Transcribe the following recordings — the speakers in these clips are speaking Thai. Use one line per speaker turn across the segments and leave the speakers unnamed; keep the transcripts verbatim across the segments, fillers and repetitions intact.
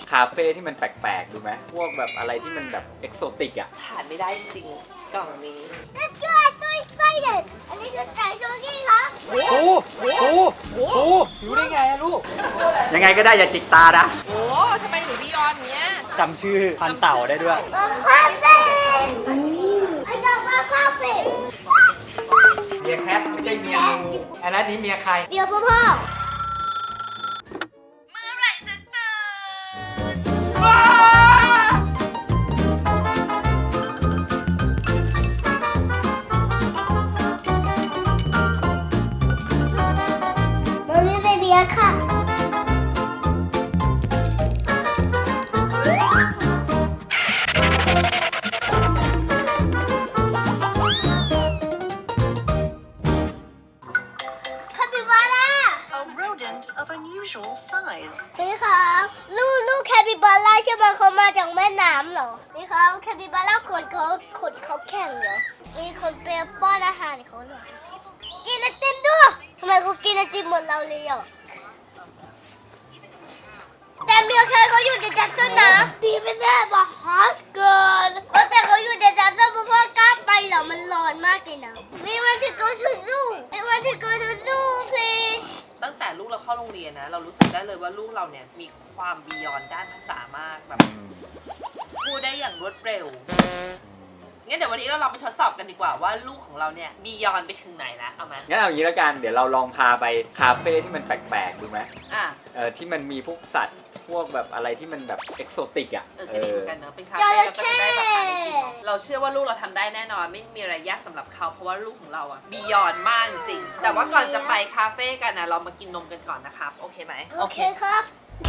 คาเฟ่ที่มันแปลกๆดูไหมพวกแบบอะไรที่มันแบบเอกโซติกอ่ะ
ขาดไม่ได้จริงกล่องนี้
Let's go I'm so excited อันนี้คือไก่โชกี้ครับ
โอ้โหโอ้โหรู้ได้ไงอะลูกยังไงก็ได้อย่าจิกตานะ
โอ้ทำไมหนูพี่ยอนเนี้ย
จำชื่อพันเต่าได้ด้วย
มาพาเฟ่ไอ้ดอกมาพาเฟ่
เมียแคทไม่ใช่เมียงูอันนั้นนี้เมียใคร
เดี๋ยวพ่อพ่อ
เมื่อไหร่จะตื่น
มันไม่เป็นเบียร์ค่ะ คาปิบาร่า
A rodent of unusual size.
นี่ครับลูกลูกแคปิบาร่าใช่ไหมเขามาจากแม่น้ำเหรอนี่ครับแคปิบาร่าขนเขาขนเขาแข็งเหรอมีคนเปรียบป้อนอาหารเขาเหรอกินไอติมด้วยทำไมเขากินไอติมเหมือนเราเลยอ่ะแต่เมียแค่เขาอยู่ในจัดสนนะดีไม่ได้บอกฮอตเกินแต่เขาอยู่ในจัดสนเพราะว่ากล้าไปเหรอมันร้อนมากเลยนะมีวันที่ go to zoo มีวันที่ go to zoo please
ตั้งแต่ลูกเราเข้าโรงเรียนนะ เรารู้สึกได้เลยว่าลูกเราเนี่ยมีความบียอนด้านภาษามากแบบพูดได้อย่างรวดเร็วงั้นเดี๋ยววันนี้เราลองไปทดสอบกันดีกว่าว่าลูกของเราเนี่ยบียอนไปถึงไหนแล้วเอาไหม
งั้นเอาอย่างนี้แล้วกันเดี๋ยวเราลองพาไปคาเฟ่ที่มันแปลกๆดูไหม
อ่ะ
เออที่มันมีพวกสัตว์พวกแบบอะไรที่มันแบบเอกโซติกอ่ะ
เออก็ดีเหมือนกันเนอะเป็นคาเฟ่แล้วก็จะได้แบบหาอะไรกินเนอะเราเชื่อว่าลูกเราทำได้แน่นอนไม่มีอะไรยากสำหรับเขาเพราะว่าลูกของเราอะบียอนมากจริงแต่ว่าก่อนจะไปคาเฟ่กันนะเรามากินนมกันก่อนนะครับโอเคไหม
โอเคครับ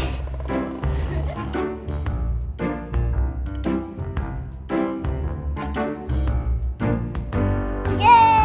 เย้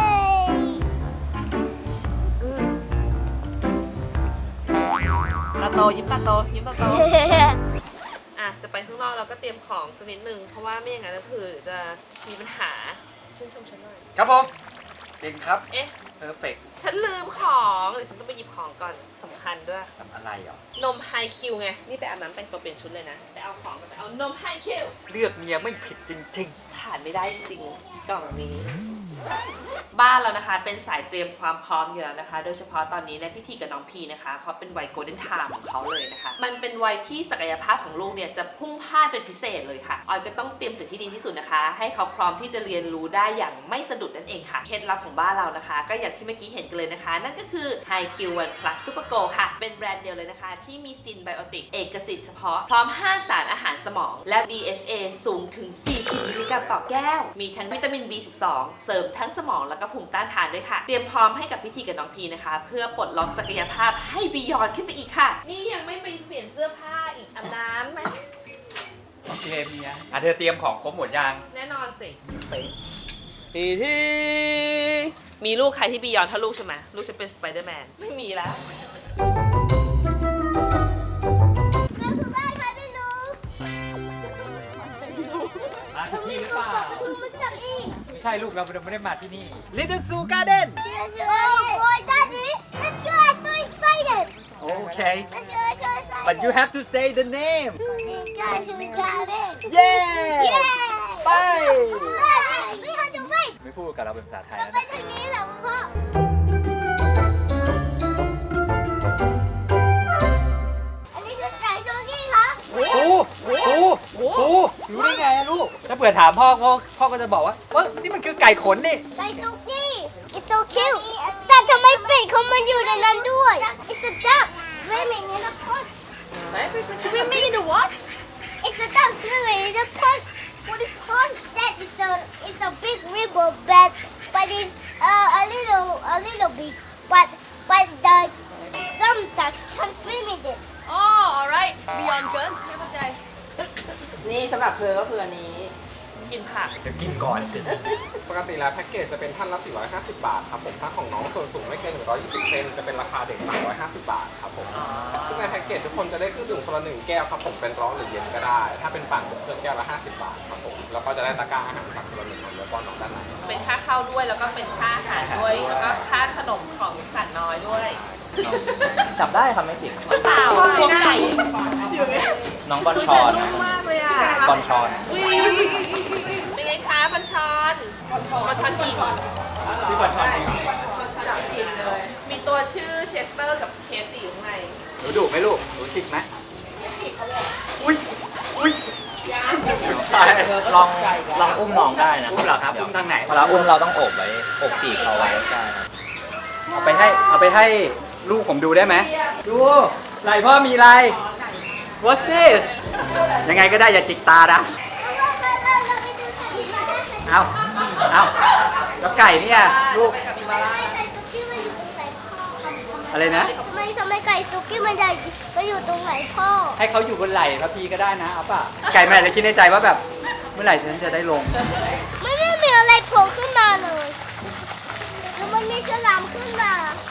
ตาโตยิ้มตาโตยิ้มตาโต อ่ะจะไปข้างนอกเราก็เตรียมของสักนิดนึงเพราะว่าไม่อย่างนั้นก็คือจะมีปัญหาชื่นชมฉันหน่อย
ครับผมเก่งครับ
เอ๊ะ
เพอร์เฟกต์
ฉันลืมของหรือฉันต้องไปหยิบของก่อนสำคัญด้วย
ทำอะไรเหรอน
มไฮคิวไงนี่ไปอาบน้ำแต่งตัวเปลี่ยนชุดเลยนะไปเอาของกันไปเอานมไฮคิว
เลือกเมียไม่ผิดจริง
ขาดไม่ได้จริงๆกล่องนี้ บ้านเรานะคะเป็นสายเตรียมความพร้อมอยู่แล้วนะคะ โดยเฉพาะตอนนี้ในพิธีกับน้องพีนะคะเขาเป็นวัยโกลเด้นไทม์ของเขาเลยนะคะมันเป็นวัยที่ศักยภาพของลูกเนี่ยจะพุ่งพล่านเป็นพิเศษเลยค่ะออยก็ต้องเตรียมสิ่งที่ดีที่สุดนะคะ ให้เขาพร้อมที่จะเรียนรู้ได้อย่างไม่สะดุดนั่นเองค่ะเคล็ดลับของบ้านเรานะคะ ก็อย่างที่เมื่อกี้เห็นกันเลยนะคะ นั่นก็คือ ไฮคิว วัน Plus Super Go ค่ะเป็นแบรนด์เดียวเลยนะคะที่มีซินไบโอติกเอกสิทธิ์เฉพาะพร้อมห้าสารอาหารสมองและ ดี เอช เอ สูงถึงสี่สิบมิลลิกรัมต่อแก้วมีทั้งวิตามิน บี สิบสอง เสริมทั้งสมองแล้วก็ภูมิต้านทานด้วยค่ะเตรียมพร้อมให้กับพิธีกับน้องพีนะคะเพื่อปลดล็อกศักยภาพให้บียอนขึ้นไปอีกค่ะนี่ยังไม่ไปเปลี่ยนเสื้อผ้าอีกอาบน้ำไหม
ๆโอเคเมียอ่ะเธอเตรียมของครบหมดยัง
แน่นอนสิ
เป๊ะ
ทีทีมีลูกใครที่บียอนเท่าลูกใช่ไหมลูกฉันเป็นสไปเดอร์แมนไม่มีแล้ว
นั่นคือบ้านใครไม่รู้
มาที่นี่หรือเปล่า
ดูมันจับอีก
ไม่ใช่ลูกเราไม่ได้มาที่นี่ Little Zoo Garden
Oh boy daddy let's go I'm so excited
Okay
let's go I'm so excited
but you have to say the name
Let's go I'm so excited
Yeah ไป
ไม่เขาจะวิ่ง
ไม่พูดกับเราเป็นภาษาไทย
เรา
แล้ว
ไป
นะ
ทางนี้แหละพ่ออันนี้คือไก่โชกี้ครับ
โอ้โหโอ้โหโอ้โหรู้ได้ไงอะลูก ถ้าเผื่อถามพ่อพ่อพ่อก็จะบอกว่าว่านี่มันคือไก่ขนนี่
ไก่โชกี้ It's so cute แต่ทำไมเป็ดเขามันอยู่ในนั้นด้วย It's a duck swimming in a pond Swimming in the what? It's a duck swimming in a pond What is pond? That is a it's a big river bed but it's uh, a little a little big but but the some ducks can swim in it
อ๋อ alright beyond เกินไม่เข้าใจ
นี่สำหรับเธอก็คืออันนี้กินผัก
เดี๋ยวกินก่อนสิ
ปกติแล้วแพ็กเกจจะเป็นท่านละ สี่ร้อยห้าสิบ บาทครับผม ถ้าของน้องส่วนสูงไม่เกิน หนึ่งร้อยยี่สิบ เซนจะเป็นราคาเด็ก สามร้อยห้าสิบ บาทครับผม ซึ่งในแพ็กเกจทุกคนจะได้เครื่องดื่มคนละหนึ่งแก้วครับผม เป็นร้อนหรือเย็นก็ได้ ถ้าเป็นปั่นเพิ่มแก้วละ ห้าสิบ บาทครับผม แล้วก็จะได้ตะกร้าอาหารสัตว์คนละหนึ่งแล้วก็น้องด้านใน
เป็นค่าเข้าด้วยแล้วก็เป็นค่าอาหารด้วยแล้วก็ค่าขนมของสัตว์น้อยด้วย
จับได้ครับไม่จริง
เปล่าตัวไก่
น้องบอลชอนนะ
มากเลยอ่ะ
บอลชอน
อุ๊ยเป็นไงคะบัญชรบัญชรบัญชรกี่
พี่บอลชอนจริงเหรอ
กินเลย มีตัวชื่อเชสเตอร์กับเคสอยู่ข้างใน
หนูดุไหมลูกหนูจิกไหมอุ้ยอุ้ยใช่
ลองลองอุ้มน้องได้นะ
อุ้มเหรอครับอุ้มทางไหน
เวลาอุ้มเราต้องโอบไว้โอบปีกเขาไว้ใช่ครับ
เอาไปให้เอาไปให้ลูกผมดูได้ไหมดูไหลพ่อมีอะไร What's this ยังไงก็ได้อย่าจิกตานะ เอาเอาแล้วไก่เนี่ยลูก อะไรนะ
ไม่ทำไมไก่ตุ๊กกี้มันใหญ่มันอยู่ตรงไหนพ่อ
ให้เขาอยู่บนไหล่พระพีก็ได้นะเอาป่ะ ไก่แม่เลยคิดในใจว่าแบบ เมื่อไหร่ฉันจะได้ลง
ไม่ได้มีอะไรโผล่ขึ้นมาเลยแล้วมันมีฉลามขึ้นมา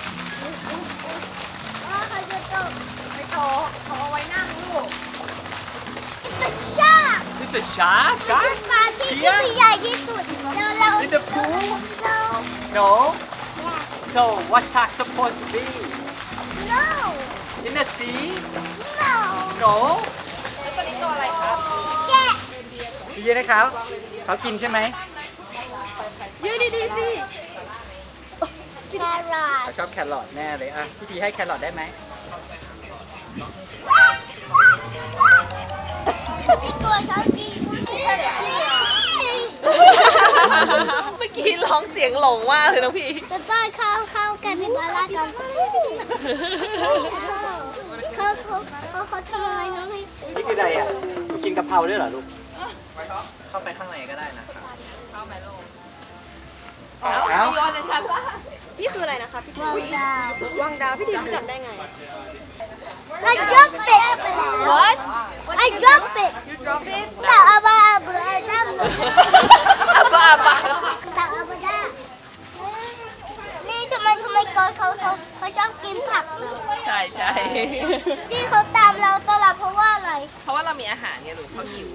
อ๋อเขาจะตก
ไม่โตเขาเอาไว้นั่งลูก
จะชา
This is shark
เป็นปลาที่ที่มีใหญ่ที่สุดแล้วเรา
In the pool
เรา
No So what shark supposed to be
no
In the sea
no
No
ตัวนี้ตัวอะไรครับ
แกะ
ดีนะครับเขากินใช่ไหม
ยืดดีดีสิ
แครอท
เขาชอบแครอทแน่เลยอ่ะพี่พีให้แครอทได้ไหม
ที่ตัวเขาดี
เมื่อกี้ร้องเสียงหลงมากเลยน้องพี่
จะต้อนเข้าเข้ากันเป็นปลาลากันเขาเขาเขาเขาทำอะไรน้องพี่
นี่คืออะไรอ่ะหนูกินกะเพราด้วยเหรอลูก
เข้าไปข้างในก็ได้นะครับ
เอ้า
เอ้า
โยนในชั้นล่าง
นี่คืออะไรนะคะพี่
วางดาว
วังดาวพี่ดีรู้จักได้ไง
I drop it
What
I drop it
You drop it
แต่อาบาอาบาอาดัม
อาบะอาบะ
แต่อาบาดานี่ทำไมทำไมก่อนเขาเขาเขาชอบกินผักเหรอ
ใช่ใช่
ที่เขาตามเราตลอดเพราะว่าอะไร
เพราะว่าเรามีอาหารไงลูกเขาหิว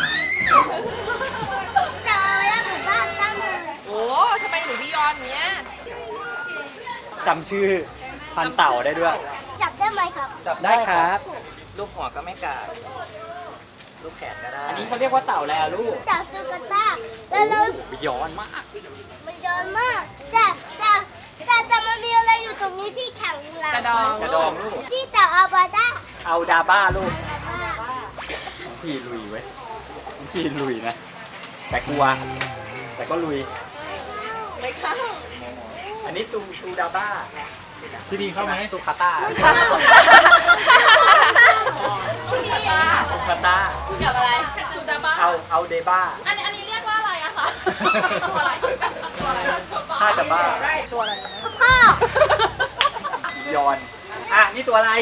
แต่อาบาดาเหมือนบ้านตั้งเลย
โอ้ทำไมหนูพี่ยอนเนี้ย
จำชื่อพันเต่าได้ด้วย
จับได้ไหมครับ
จับได้ครับ
ลูกหัวก็ไม่กัดลูกแขนก็ได้
อันนี้เขาเรียกว่าเต่าแล้วลูก
จับตุ๊กตาแล้วเรา
ย้อนมาก
มันเยอะมากแต่แต่แต่แต่มันมีอะไรอยู่ตรงนี้ที่แข็งแรง
กระดอง
กระดองลูก
ที่แต่อาบาดา
เอาดาบ้าลูกน้องพี่ลุยเว้ยน้องพี่ลุยนะ แต่กลัว แต่ก็ลุย
ไม่เข้า
อันนี้ซูซูดาบ้า
พี่ดีเข้าไหม
ซูคาต้า
ชุดีอ่ะ
ซูคาต้า
กับอะไรซูดาบ้า
เอาเอาเดบ้า
อันนี้อันนี้เรียกว่าอะไรอะคะตัวอะไรตัวอะไร
ถ้าจะบ้า
พ่อ
ยอน อ่ะ นี่ตัวอะไร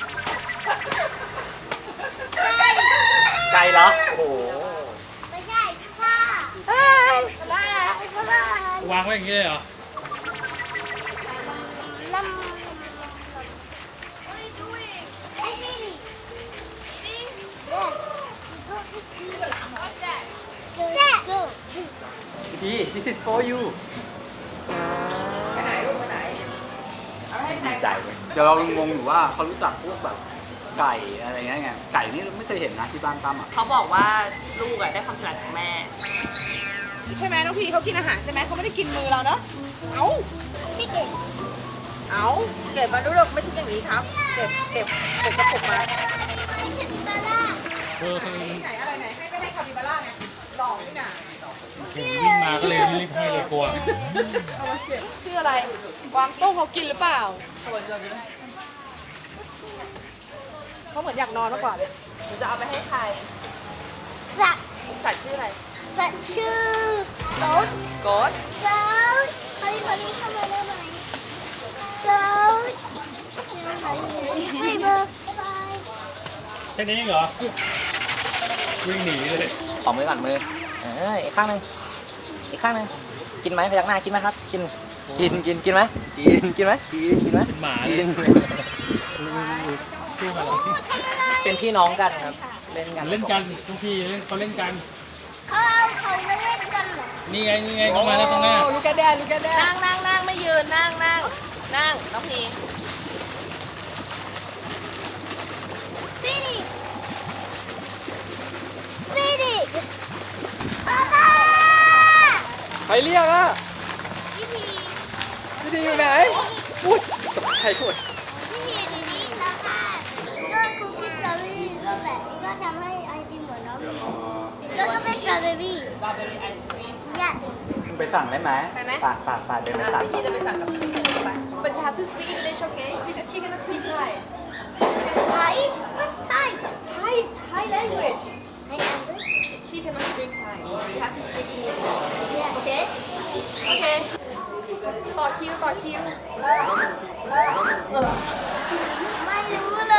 ไก่เหรอ โอ้โห
ไม่ใช่พ่อเฮ้ยบ้าบ้าว
างไว้อย่างนี้เลยเหรอ
น้ำไอ้นี่เจ๊
พี่ this is for you ไปไหนลูกไปไหนดีใจเว้ยเดี๋ยวเรางงอยู่ว่าเขารู้จักพวกแบบไก่อะไรเงี้ยไง ไก่นี่ไม่เคยเห็นนะที่บ้านตั้มอ่ะ
เขาบอกว่าลูกอะได้ความฉลาดจากแม่
ใช่ไหมน้องพีเขากินอาหารใช่ไหมเขาไม่ได้กินมือเราเนอะเอ้า
พี่เก่ง
เอาเก็บมาดูหรอกไม่ใช่อย่างนี้ครับ เก็บเก็บเก็บกระปุกมา
พี่เก่งบาร่า
เออคือ
ไหนอะไรไหนให้ไปให้คาปิบาร่าไงหล่อนี่นะ
เห็นวิ่งมาก็เลยรีบให้เลยกลัว
เอามาเก็บชื่ออะไรวางโต้เขากินหรือเปล่าเขาเหมือนอยากนอนมากกว่าเลย
หนูจะเอาไปให้ใคร
สัตว์
สัตว์ชื่ออะไร
สัตว์ชื่อโต๊ด
โกด
โต๊ดคนนี้คนนี้เข้ามาได้ไหมโต๊ดไม่เบอร์บาย
แค่นี้เหรอ วิ่งหนีเลย ขอมือก่อนมือ เอออีกข้างหนึ่งอีกข้างหนึ่งกินไหมพยักหน้ากินไหมครับ กิน กิน กิน กินไหมกิน กินไหมกิน กินไหมเป็นหมาเลยเป็นพี่น้องกันครับ เล่นกัน
เล่นกันทุกทีเล่นเขาเล่นกัน
เขาเอาเขาไม่เล่นกันเหรอ
นี่ไงนี่ไงเขามาแล้วข้างหน้า
ลูกกระแดนลูกกระแดน
นั่งนั่งนั่งไม่ยืนนั่งนั่งนั่งน้องพี
พี่นี่
เรียกอ่ะ
พี่พี
พี่ดีอยู่ไหนพูดตกใจหมด
พี่พีดีนี้แล้วค่ะก็คุกกี้สตรอเบอรี่ก็แบบก็ทำให้ไอติมเหมือนน้องพีแล้วก็เป็นสตรอเบอรี่
สตรอเบอรี่ไอศครีม
yes
ไปสั่งได้ไหม
ไปไหม
ปากปากปากเดินไปสั่ง
พี่จะไปสั่งกับพี่ไป
But you have to speak English, okay? Because she cannot speak Thai.
Thai what's Thai
Thai, Thai language.
I English
She, she cannot speak Thai. You have to speak English. Okay? Okay. ต่อคิวต่อคิว
ไม่รู้เลย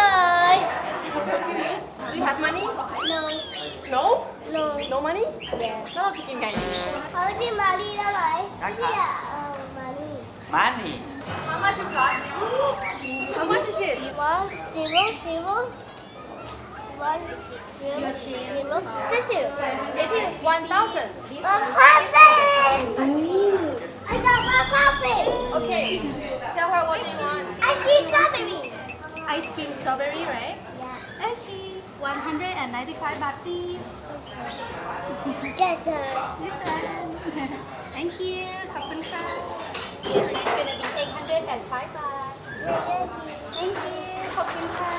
Do you have money?
no
No?
no
No money?
yeah
แล้วเราจะกินไง
เขาที่มารีได้ไหมเนี่ยเออมารี
มานี่
How much you got? How much is this?
one zero zero one zero zero six zero
It's one thousand.
one thousand I got one thousand
Okay. Tell her what you want.
I see strawberry
Ice cream strawberry, right?
yeah
Okay. one hundred ninety-five baht, please.
yes sir
This one. Thank you. ขอบคุณค่ะ It's gonna be eight hundred five baht. Thank you. ขอบคุณค่ะ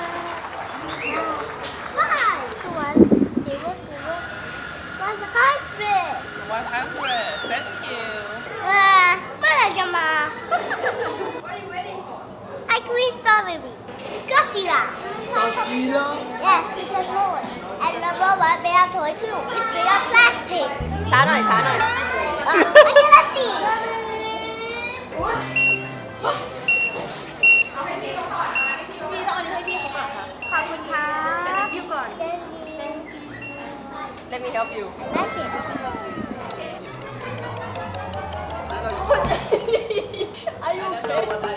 five one zero zero one hundred
วันพันเรด thank you
เออเมื่อไหร่จะมา I cream strawberry Godzilla Godzilla yes it's a toy and number one bear toy too it's made of plastic
ช้าหน่อยช้าหน่อย
ไม่ใช่พลาสติก
พี่ต้องเอาอันนี้ให้พี่เขาก่อนค่ะ ขอบคุณค่ะเสร็จแล้วพี่ก่อน Let me help you
น่าเกลียด
Are you okay?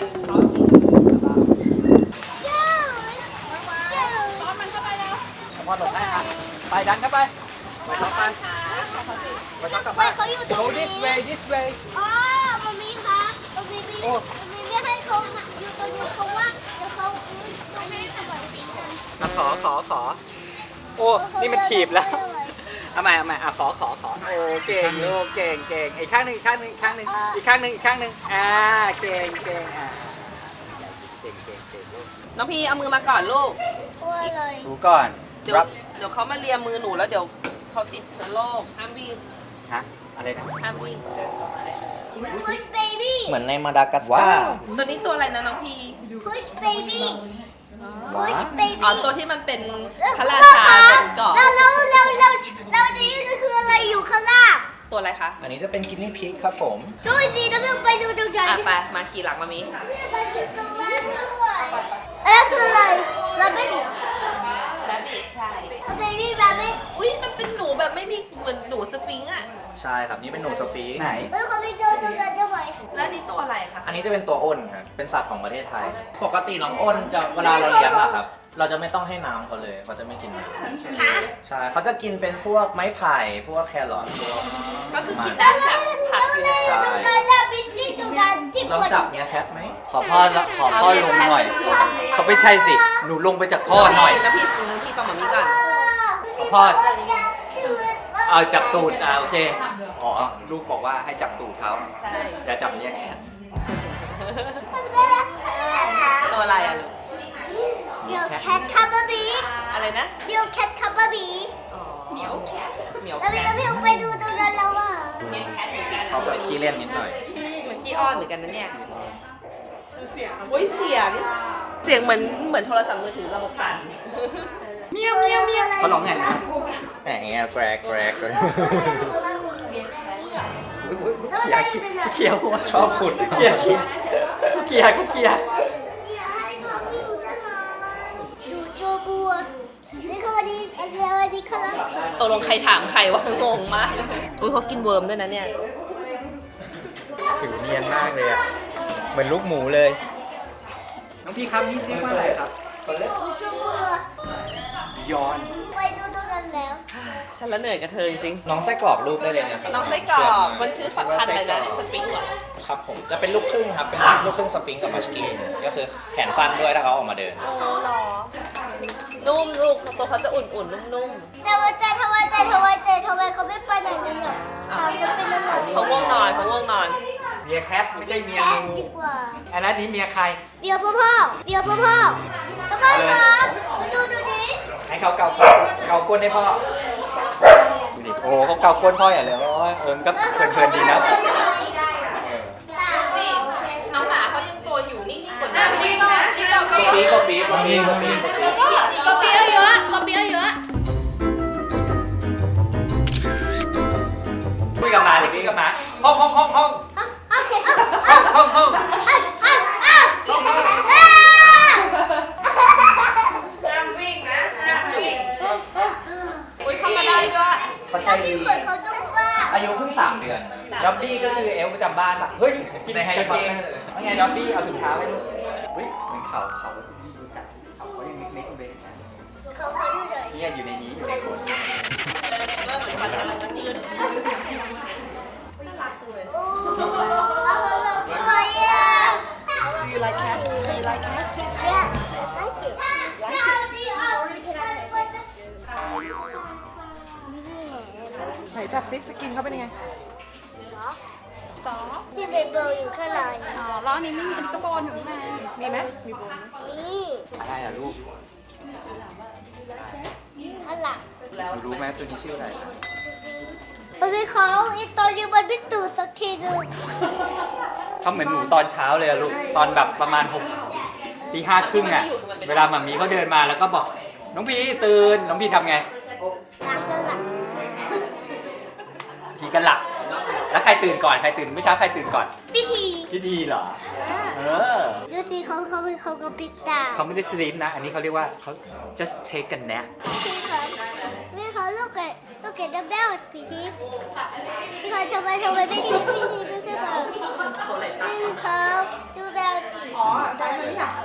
พอหลบได้ค่ะไปดันเข้าไปไปช็อปไปไปช็อปกลับ
ไป
บ้าน
เขาอยู่ตรง
go
นี้
this way this way
อ๋อมามีคะมามีมี
โอ้
มามีไม่ให้เขาอยู่ตรงนี้เพราะว่าเดี๋ยวเขาอื้อตรงนี้สมัยนี้กัน
มาขอขอขอโอ้นี่มันถีบแล้วเอาใหม่เอาใหม่อ่ะขอขอขอโอ้เก่งโอ้เก่งเก่งอีกข้างหนึ่งอีกข้างหนึ่งอีกข้างหนึ่งอีกข้างหนึ่งอีกข้างหนึ่งอ่าเก่งเก่งอ่าเก่งเก่งเก่งลูก
น้องพีเอามือมาก่อนลูก
กลัวเลย
ดูก่อน
เดี๋ยว
รับ
เดี๋ยวเขามาเลียมือหนูแล้วเดี๋ยวเขาติดเชื้อโรคห้ามวิ่ง
ฮะอะไรนะ
ห้ามวิ่ง
push baby
เหมือนในมาดากัส
ว้า
การ์
ว
ตัวนี้ตัวอะไรนะน้องพี
push baby push baby
อ๋อตัวที่มันเป็นพระรา
พ่อ
ชา
คะ
เป็นเกาะ
แล้วแล้วแล้วแล้วแล้วนี่คืออะไรอยู่ข้างล่าง
ตัวอะไรคะ
อันนี้จะเป็นกินนี่พิกครับผม
ดูสิแล้วเราไปดูตรงไหน
อ่ะไปมาขี่หลังมามี
ไปดูตรงนั้นด้วยแล้วคืออะไร rabbit
แรบบิทใช่
baby rabbit
อุ้ยมันเป็นหนูแบบไม่มีเหมือนหนูสฟิงค์อ่ะ
ใช่ครับนี่เป็นหนูสฟิงค์
ไหน
แล้วเขาไปดูตรงนั้นด้วย
แล้วนี่ตัวอะไรคะ
อันนี้จะเป็นตัวอ้นครับเป็นสัตว์ของประเทศไทย ปกติน้องอ้นจะเวลาเราเลี้ยงอะครับ เราจะไม่ต้องให้น้ำเขาเลยเขาจะไม่กินน้ำใช่เขาจะกินเป็นพวกไม้ไผ่พวกแครอทพวก
ก็คือกินน้ำจากผักอยู่แล้ว
ใช่
ตรงนั้นนะบิสซี่ตรงนั้นจิบ
ลอง
คน
จับเนี้ยแคทไหม
ขอพ่อละขอพ่อลงหน่อย เขาไม่ใช่สิ หนูลงไปจากพ่อหน่อย
น้ำพี่น้ำพี่ฟังหมามีก่อน
ขอพ่อเอาจับตูดอ่าโอเค อ๋อ ลูกบอกว่าให้จับตูดเขาอย่าจับเนี่ยแขน
ตัวอะไรอ่ะลูก
เดี๋ยวแคทคับเบอร์บี
อะไรนะ
เดี๋ยวแคทคับเบอร์บี
เหมียวแคทเหมียว
แล้ว
แค
พี่
ท
ก็พี่ไปดูตรงนั้นแล้วอ่ะ
เขาแบบขี้เล่นนิดหน่อย
เหมือนขี้อ้อนเหมือนกันนะเนี่ยอุ้ยเสียง เสียงเหมือนเหมือนโทรศัพท์มือถือระบบสั่น
เมียวเมียวเมียว
เขาร้องไงนะ
แหมเงี้ยแกรกแกรกแกรก
เขี่ยเขี่ยหัว
ชอบขุด
เขี่ยเขี่ยเขี่ยก็เขี่ย
อย่าให้เขาอยู่นะคะจูโจบัวนี่คือวันนี้อันเดียววันนี้ครับ
ตกลงใครถามใครวะงงมากอุ้ยเขากินเวิร์มด้วยนะเนี่ย
ผิวเนียนมากเลยอ่ะ เหมือนลูกหมูเลย น้องพี่ครับนี่เรียกว่าอะไรครับ
จูโจบัว
ย้อน
ไปดูตรงนั้นแล้ว
ฉันละเหนื่อยกับเธอจริง
น้องไส้กรอกรูปได้เลยนะครับ
ๆน้องไส้กรอกมันชื่อฝักพันธุ์อะไรนะสฟิงค์เหรอ
ครับผมจะเป็นลูกครึ่งครับเป็นลูกครึ่งสฟิงค์กับมัสกี้ก็คือแขนสั้นด้วยถ้าเขาออกมาเดิน
โอ้หรอนุ่มลูกตัวเขาจะอุ่นๆนุ่ม
แต่ว่าแต่ทำไมแต่ทำไมแต่ทำไมเขาไม่ไปไหนกันเนี่ยเขาจะเป็นอะไร
ๆเขาง่วงนอนเขาง่วงนอน
เมียแคทไม่ใช่เมีย
แค่
งู
ดีกว่า
อันนั้นนี้เมียใคร
เบียร์พ่อพ่อเบียร์พ่อพ่อพ่อพ่อครับมาดูดูดิ
ให้เขาเกาเกาก้นให้พ่อดูดิโอ้เขาเกาก้นพ่ออย่าเลยโอ้ยเออมันก็เพลินๆดีนะ
สิน้องหมาเขายังตัวอยู่นิ่งๆกว่านี้นี่ก็นี่ก็
ปีก็ปีก็ปีก็ปี
ก็เปี้ยเยอะก็เปี้ยเยอะ
คุยกับหมาเด็กคุยกับหมาห้องห้องห้องห้องห้องห้องห้อง
อุ้ยเข้ามาได้ด้วย
เขาใจ
แล้ว
ดี
พี่คนเขาต้องว่า
อายุเพิ่งสามเดือนด็อบบี้ก็คือเอลประจำบ้านป่ะเฮ้ยกินในไฮเกมว่าไงด็อบบี้เอาถุงเท้าให้ลูกเฮ้ยเหมือนเขาเขารู้จักเขาเขายังเล็กๆเลยนะ
เขาเขาอยู่ไหน
เนี่ยอยู่ในนี้อยู่ในคน
ก็เหมือนฟันกำลังจะยืดน่ารักจังเลย
โอ้เอาเขาลงด้วยอ่ะ
Do you like cat? Do you like cat?
Yeah, I like it. How do you always
ไหนจับซิสกินเขาเป็นยังไง ซอฟ
ที่เลเบลอยู่ข้างใน
อ๋อแล้วอันนี้ไม่มีอันนี้ก็โบนอยู่ข้างในมีไหมมีโบนไหม
นี่
อะไรอ่ะลูก
ข้างหลัง
หนูรู้ไหมตัวนี้ชื่ออะไร
เพราะเขาไอตอนอยู่บนพิตูสักทีหนึง
เขาเหมือนหนูตอนเช้าเลยอะลูกตอนแบบประมาณหกตีห้าครึ่งอะเวลาหมามีเขาเดินมาแล้วก็บอกน้องพีตื่นน้องพีทำไง
ตามกันหลัง
พีกันหลับแล้วใครตื่นก่อนใครตื่นเมื่อเช้าใครตื่นก่อน
พิธี
พี่ดีเหรอเออ
ดูสิเขาเขาเขาก็ปิดตา
เขาไม่ได้สลีปนะ อันนี้เขาเรียกว่าเขา just take a nap
พิธีเขาไม่เขาลูกเกดลูกเกดดับเบิลพิธีพี่เขาทำไมทำไมไม่ดีพิธีไม่ใช่แบบพี่เขาดูแลสิอ๋อตอนนี้ค่ะ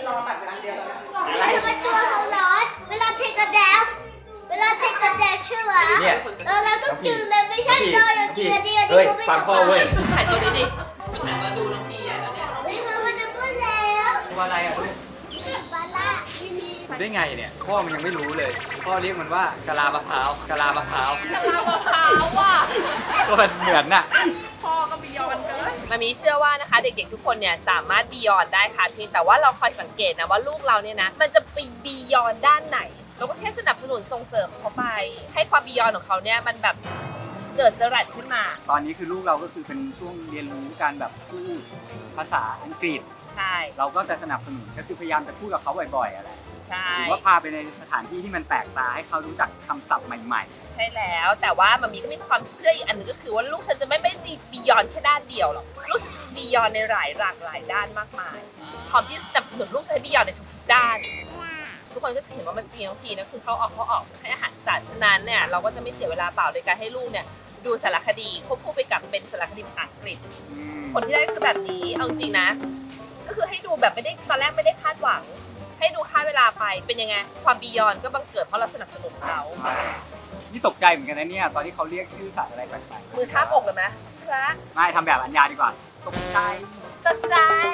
ทำไมตัวเขาร้อนเวลาเทกระแดมเวลาเทกระแดมใช่ไหม
เนี่ย
เออเราต้องตื่นเลยไม่ใช่
พี่
ตอนอย่าง
พี่
เดียวเดียว
เฮ้ย
เขาไม่
ฟังพ่อเว้ย
ถ่ายตัวนี้ดิมันหันมาดูน้องพีอ่ะแล้วเนี่ย
พี่เขามันจะพูดแล้ว
ว่าอะไรอ่ะลูก
บาล่า
ได้ไงเนี่ยพ่อมันยังไม่รู้เลย พ่อเรียกมันว่ากะลามะพร้าวกะลามะพร้าว
กะลามะพร้าวว่ะ
ก็มันเหมือนน่ะ
พ่อก็บียอนเกินมามีเชื่อว่านะคะเด็กๆทุกคนเนี่ยสามารถบียอนได้ค่ะเพียงแต่ว่าเราคอยสังเกตนะว่าลูกเราเนี่ยนะมันจะไปบียอนด้านไหนเราก็แค่สนับสนุนส่งเสริมเขาไป ให้ความบียอนของเขาเนี่ยมันแบบเจิดจรัสขึ้นมา
ตอนนี้คือลูกเราก็คือเป็นช่วงเรียนรู้การแบบพูดภาษาอังกฤษ
ใช่
เราก็จะสนับสนุนก็คือพยายามจะพูดกับเขาบ่อยๆอะไร
ใช่
หรือว่าพาไปในสถานที่ที่มันแปลกตาให้เขารู้จักคำศัพท์ใหม่
ใช่แล้วแต่ว่ามามีก็มีความเชื่ออีกอันหนึงก็คือว่าลูกฉันจะไม่ไม่ดีบียอนแค่ด้านเดียวหรอกลูกฉันบียอนในหลายหลากหลายด้านมากมายพร้อมที่สนับสนุนลูกฉันให้บียอนในทุกๆด้าน ทุกคนก็จะเห็นว่ามันเพียงทีนะคือเขาออกเขาออกให้อาหารสัตว์ฉะนั้นเนี่ยเราก็จะไม่เสียเวลาเปล่าในการให้ลูกเนี่ยดูสารคดีควบคู่ไปกับเป็นสารคดีภาษาอังกฤษ
ๆอืม
ผลที่ได้คือแบบนี้เอาจริงนะ ก็คือให้ดูแบบไม่ได้ตอนแรกไม่ได้คาดหวัง ให้ดูค่าเวลาไปเป็นยังไงความบียอนก็บังเกิดเพราะเราสนับสนุนเขา
นี่ตกใจเหมือนกันนะเนี่ยตอนที่เขาเรียกชื่อสัตว์อะไรแปลก
มือทาบอกเลยไหมพระ
ๆไม่ทำแบบอัญญาดีกว่า ตกใจ
ตกใจ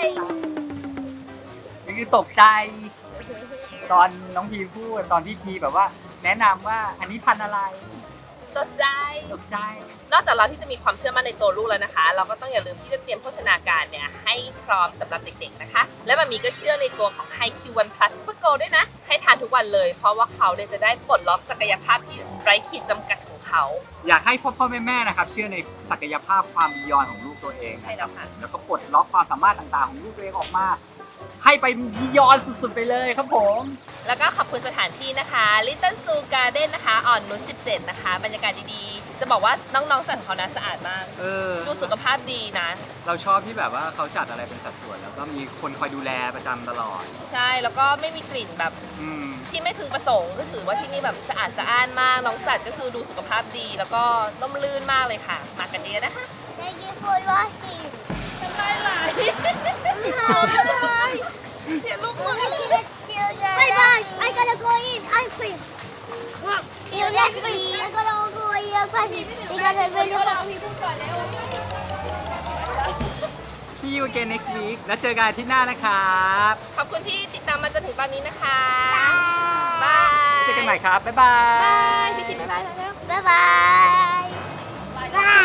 นี่คือตกใจ ตอนน้องพีพูดตอนที่พีแบบว่า แนะนำว่าอันนี้พันธุ์อะไร
ตกใจ
ตกใจ
นอกจากเราที่จะมีความเชื่อมั่นในตัวลูกแล้วนะคะ เราก็ต้องอย่าลืมที่จะเตรียมโภชนาการเนี่ยให้พร้อมสำหรับเด็กๆนะคะ และมันมีก็เชื่อในตัวของ ไฮ คิว วัน พลัส Super Go ด้วยนะ ให้ทานทุกวันเลย เพราะว่าเขาเนี่ยจะได้ปลดล็อกศักยภาพที่ไร้ขีดจำกัดของเขา
อยากให้พ่อพ่อแม่แม่ๆนะครับ เชื่อในศักยภาพความบียอนของลูกตัวเอง
ใช่แล้วค่ะ
แล้วก็ปลดล็อกความสามารถต่างๆของลูกตัวเองออกมา ให้ไปบียอนสุดๆไปเลยครับผม
แล้วก็ขอบคุณสถานที่นะคะ Little Zoo Garden นะคะอ่อนนุชสิบเจ็ดนะคะ บรรยากาศดีๆ จะบอกว่าน้องๆสัตว์ของเขานะสะอาดมาก
เออ
ดูสุขภาพดีนะ
เราชอบที่แบบว่าเขาจัดอะไรเป็นสัดส่วนแล้วก็มีคนคอยดูแลประจำตลอด
ใช่ แล้วก็ไม่มีกลิ่นแบบ
อืม
ที่ไม่พึงประสงค์ก็ถือว่าที่นี่แบบสะอาดสะอ้านมาก น้องสัตว์ก็คือดูสุขภาพดี แล้วก็ร่มรื่นมากเลยค่ะ มากันเยอะนะคะ
Thank you for watching
ทำได้หลายไม่ใช่เสียลูกมือ
Bye bye I gotta go in ice cream See you next week I gotta go in ice cream because I really want
See you again next week แล้วเจอกันอาที่หน้านะครับ
ขอบคุณที่ติดตามมาจนถึงตอนนี้นะคะ
to
บาย
ม่ครับ บ๊ายบาย
พี่ทีบ๊ายบายแล้ว
บ๊ายบายบ๊าย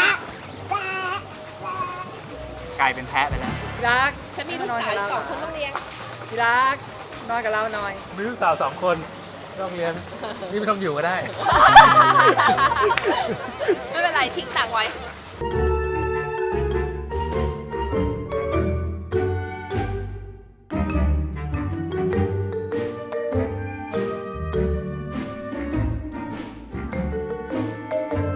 กลายเป็นแพะไปแล้วพี่รัก
ฉันมีลูกสาวอีกสองคนต้องเลี้ยง
พี่รักนอนกับเราหน่อย
มีลูกสาวสองคนไม่ต้องเรียน นี่ไม่ต้องอยู่ก็ได้
ไม่เป็นไรทิ้งตังค์ไว้
บ